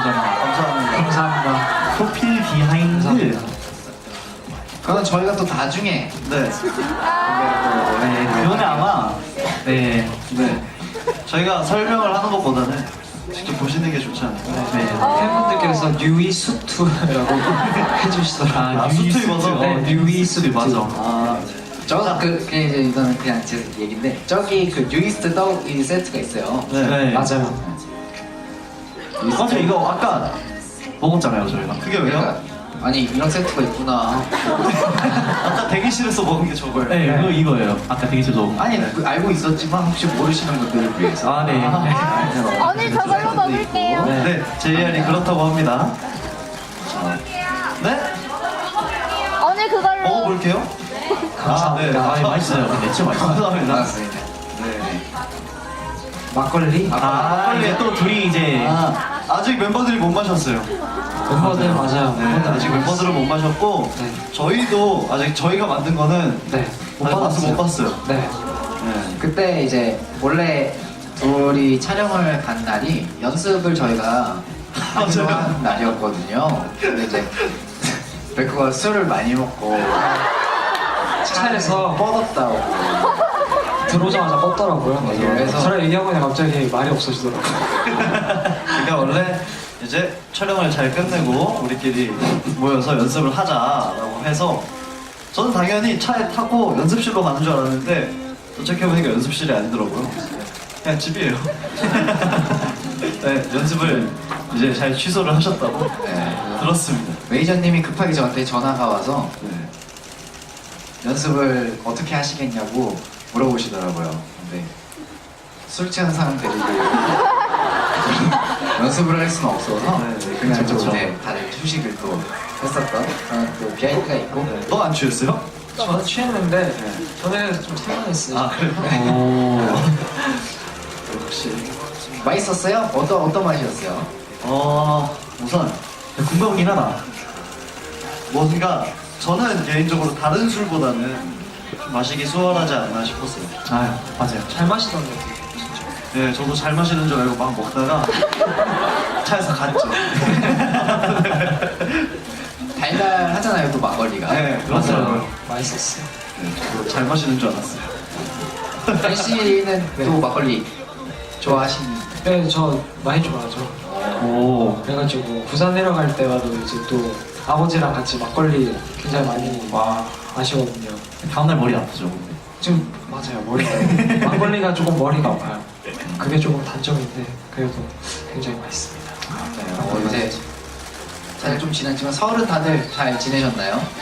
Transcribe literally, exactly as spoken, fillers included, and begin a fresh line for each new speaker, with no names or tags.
감사합니다.
감사합니다.
프로필 비하인드.
그건 저희가 또 나중에
네.
네,
네, 그거는 아마 네,
네.
저희가 설명을 하는 것보다는 직접 보시는 게 좋지 않을까.
네, 팬분들께서 뉴이 수트라고 해주시더라고요.
아, 수트 입어서?
네, 뉴이 수트.
맞아.
아, 저는 그, 그냥 이제 이거는 그냥 제 얘기인데 저기 그 뉴이스트 떡이 세트가 있어요.
네.
맞아요.
맞아, 이거 아까 먹었잖아요, 저희가. 그게 왜요?
그러니까, 아니 이런 세트가 있구나.
아까 대기실에서 먹은 게 저거예요.
네,
이거 이거예요. 아까 대기실에서 먹은 거.
아니 그 알고 있었지만 혹시 모르시는 분들을 위해서.
아, 네.
오늘 저걸로 먹을게요.
네, 네, 제이알이 그렇다고 합니다. 네?
오늘 그걸로.
먹어볼게요.
감사합니다.
아, 네. 아, 맛있어요. 근데 진짜 맛있어요. 감사합니다.
반갑습니다. 네.
막걸리?
아, 이게 또 둘이 이제
아,
아직 멤버들이 못 마셨어요.
멤버들 맞아요.
네, 아직 멤버들은 못 마셨고
네.
저희도 아직 저희가 만든 거는
네. 못
아직 맛을 못
받았어요.
봤어요.
네.
네.
그때 이제 원래 둘이 촬영을 간 날이 연습을 저희가 하기로
맞아요.
한 날이었거든요. 근데 이제 베크가 술을 많이 먹고
차에서
뻗었다고.
들어오자마자 뻗더라고요.
맞아요. 그래서-
저랑 얘기하고 갑자기 말이 없어지더라고요.
그러니까 원래 이제 촬영을 잘 끝내고 우리끼리 모여서 연습을 하자라고 해서 저는 당연히 차에 타고 연습실로 가는 줄 알았는데 도착해보니까 연습실이 아니더라고요. 그냥 집이에요. 네, 연습을 이제 잘 취소를 하셨다고
네.
들었습니다.
매니저님이 급하게 저한테 전화가 와서
네.
연습을 어떻게 하시겠냐고 물어보시더라고요. 근데 술 취한 사람 데리고 연습을 할 수는 없어서
네, 네,
그냥
그쵸,
좀
그쵸.
이제 다들 휴식을 또 했었던 그런 또 비하인드가 있고.
너 안 취했어요?
저는 취했는데 저는 좀 상황했어요.
아, 그래요?
오.
역시.
맛있었어요? 어떤 어떤 맛이었어요?
어, 우선 궁금하긴 하다. 뭔가 저는 개인적으로 다른 술보다는 좀 마시기 수월하지 않나 싶었어요. 아, 맞아요.
잘 마시던데.
네, 저도 잘 마시는 줄 알고 막 먹다가 차에서 갔죠.
달달하잖아요, 또 막걸리가.
네, 그렇더라고요.
맛있었어요.
네, 저도 잘 마시는 줄 알았어요.
현 씨는
네.
또 막걸리 좋아하시는?
네, 저 많이 좋아하죠.
오,
그래가지고 부산 내려갈 때마다 이제 또 아버지랑 같이 막걸리 굉장히 많이
와.
마시거든요.
다음날 머리 아프죠, 근데.
지금 맞아요, 머리가 막걸리가 조금 머리가 아파요. 그게 조금 단점인데 그래도 굉장히 맛있습니다.
어, 이제 잘 좀 지났지만 설은 다들 잘 지내셨나요?